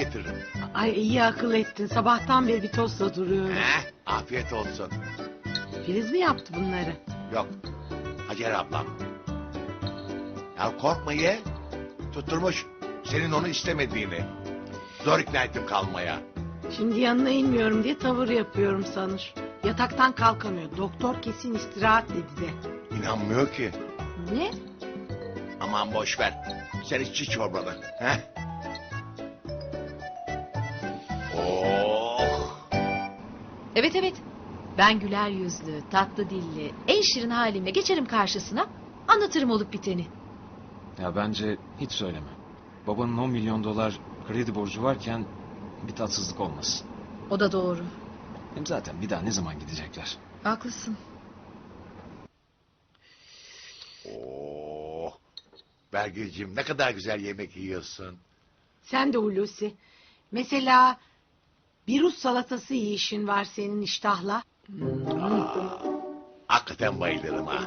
getiririm. Ay iyi akıl ettin. Sabahtan beri bir tostla duruyorum. Afiyet olsun. Filiz mi yaptı bunları? Yok. Hacer ablam. Ya korkma ye. Tutturmuş senin onu istemediğini. Zor ikna ettim kalmaya. Şimdi yanına inmiyorum diye tavır yapıyorum sanır. Yataktan kalkamıyor. Doktor kesin istirahat dedi de. İnanmıyor ki. Ne? Aman boş ver. Sen iç çorbanı. He? Oh. Evet. Ben güler yüzlü, tatlı dilli, en şirin halimle geçerim karşısına. Anlatırım olup biteni. Ya bence hiç söyleme. Babanın 10 milyon dolar kredi borcu varken bir tatsızlık olmasın. O da doğru. Hem zaten bir daha ne zaman gidecekler? Haklısın. Oh. Belgeciğim ne kadar güzel yemek yiyorsun. Sen de Hulusi. Mesela bir Rus salatası yiyişin var senin iştahla. Hakikaten bayılırım ha.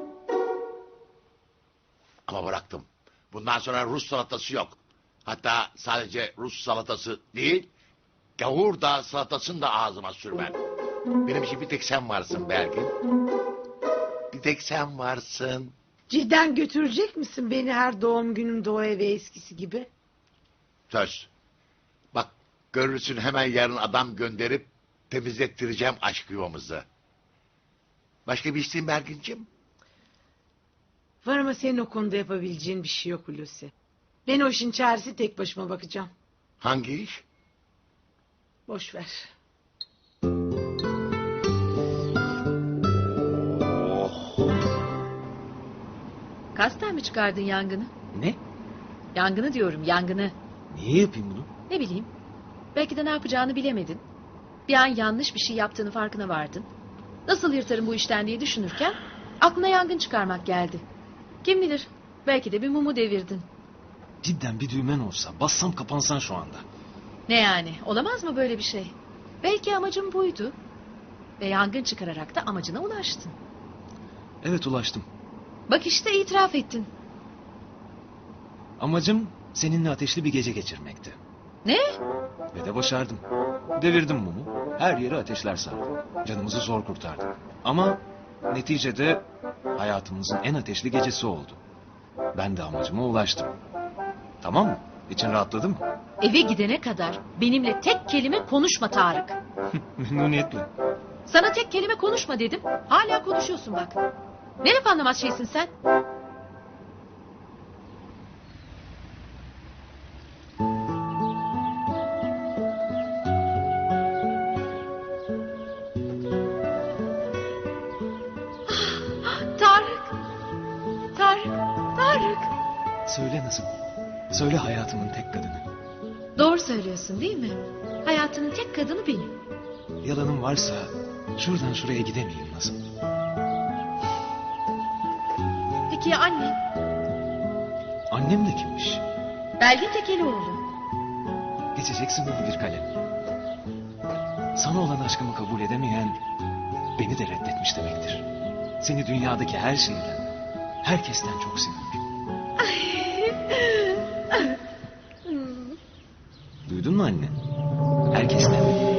Ama bıraktım. Bundan sonra Rus salatası yok. Hatta sadece Rus salatası değil, gavur da salatasını da ağzıma sürmem. Benim için bir tek sen varsın Belgin. Bir tek sen varsın. Cidden götürecek misin beni her doğum günümde o eve eskisi gibi? Söz. Bak görürsün hemen yarın adam gönderip temizlettireceğim aşk yuvamızı. Başka bir isteğin Belgin'ciğim? Var ama senin o konuda yapabileceğin bir şey yok Hulusi. Ben o işin çaresi tek başıma bakacağım. Hangi iş? Boş ver. Oh. Kasten mi çıkardın yangını? Ne? Yangını diyorum, yangını. Niye yapayım bunu? Ne bileyim. Belki de ne yapacağını bilemedin. Bir an yanlış bir şey yaptığını farkına vardın. Nasıl yırtarım bu işten diye düşünürken aklına yangın çıkarmak geldi. Kim bilir, belki de bir mumu devirdin. Cidden bir düğmen olsa bassam kapansan şu anda. Ne yani, olamaz mı böyle bir şey? Belki amacın buydu. Ve yangın çıkararak da amacına ulaştın. Evet ulaştım. Bak işte itiraf ettin. Amacım seninle ateşli bir gece geçirmekti. Ne? Ve de başardım. Devirdim mumu. Her yeri ateşler sardı. Canımızı zor kurtardık. Ama neticede hayatımızın en ateşli gecesi oldu. Ben de amacıma ulaştım. Tamam mı? İçin rahatladı mı? Eve gidene kadar benimle tek kelime konuşma Tarık. Memnuniyetle. Sana tek kelime konuşma dedim. Hala konuşuyorsun bak. Ne laf anlamaz şeysin sen? Tarık. Tarık. Söyle Nazım. Söyle hayatımın tek kadını. Doğru söylüyorsun değil mi? Hayatının tek kadını benim. Yalanım varsa şuradan şuraya gidemeyim Nazım. Peki ya anne? Annem de kimmiş? Belgin Tekelioğlu. Geçeceksin bunu bir kalem. Sana olan aşkımı kabul edemeyen beni de reddetmiş demektir. Seni dünyadaki her şeyden, herkesten çok seviyorum. Duydun mu anne? Herkesten.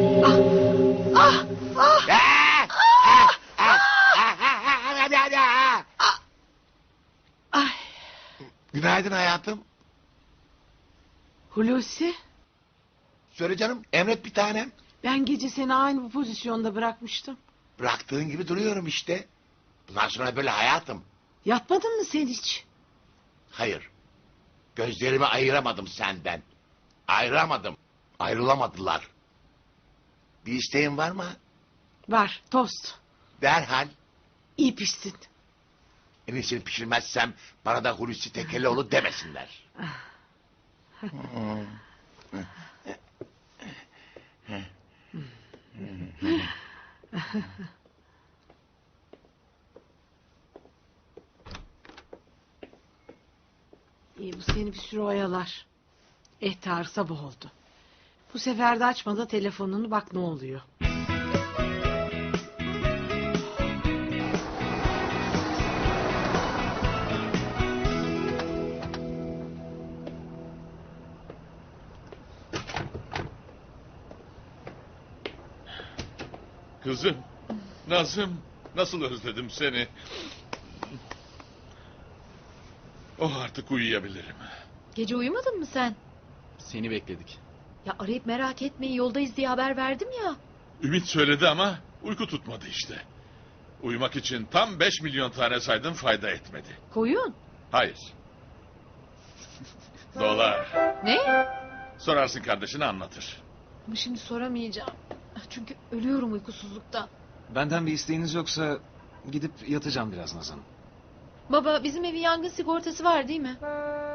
Ay Günaydın hayatım. Hulusi, Söyle canım, emret bir tanem. ben gece seni aynı bu pozisyonda bırakmıştım. Bıraktığın gibi duruyorum işte. Bundan sonra böyle hayatım. Yatmadın mı sen hiç? Hayır. Gözlerimi ayıramadım senden. Ayıramadım. Ayrılamadılar. Bir isteğin var mı? Var, tost. Derhal. İyi pişsin. En iyisini pişirmezsem bana da Hulusi Tekelioğlu demesinler. İyi bu seni bir süre oyalar. Tarık sabah oldu. Bu sefer de açma da telefonunu bak ne oluyor. Kızım, Nazım, nasıl özledim seni. Oh, artık uyuyabilirim. Gece uyumadın mı sen? Seni bekledik. Ya arayıp merak etmeyin yoldayız diye haber verdim ya. Ümit söyledi ama uyku tutmadı işte. Uyumak için tam 5 milyon tane saydım, fayda etmedi. Koyun. Hayır. Dolar. Ne? Sorarsın, kardeşine anlatır. Ama şimdi soramayacağım. Çünkü ölüyorum uykusuzluktan. Benden bir isteğiniz yoksa gidip yatacağım biraz Nazan. Baba bizim evin yangın sigortası var değil mi?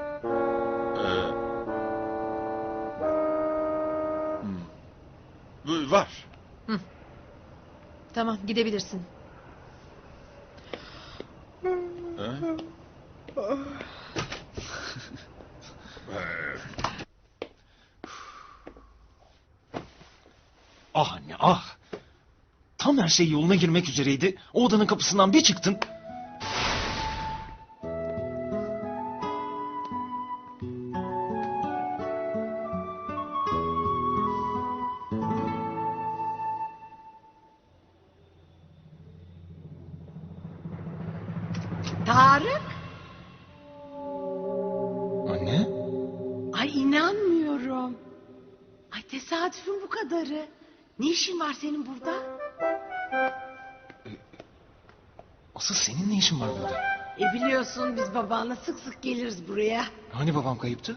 Var. Tamam gidebilirsin. Ha? Ah anne ah. Tam her şey yoluna girmek üzereydi. O odanın kapısından bir çıktın. Tarık. Anne? Ay inanmıyorum. Ay tesadüfün bu kadarı. Ne işin var senin burada? Asıl senin ne işin var burada? Biliyorsun biz babanla sık sık geliriz buraya. Hani babam kayıptı?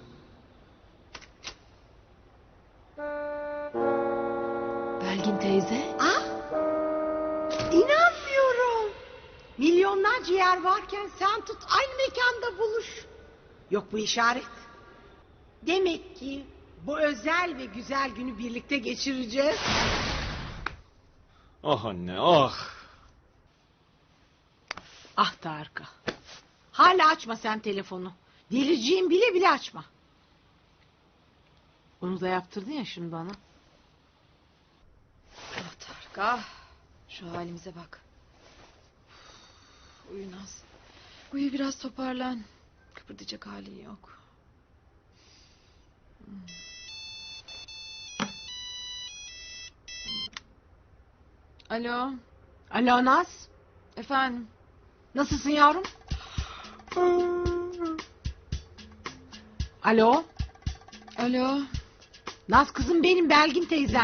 Belgin teyze. Ah! İnanmıyorum. Milyonlarca yer varken sen tut aynı mekanda buluş. Yok bu işaret. Demek ki bu özel ve güzel günü birlikte geçireceğiz. Ah anne ah. Ah Tarık. Hala açma sen telefonu. Delireceğim bile bile açma. Onu da yaptırdın ya şimdi bana. Ah Tarık ah. Şu halimize bak. Uyu Naz. Uyu biraz toparlan. Kıpırdayacak halin yok. Alo. Alo Naz. Efendim. Nasılsın yavrum? Alo. Alo. Naz kızım benim Belgin teyzen.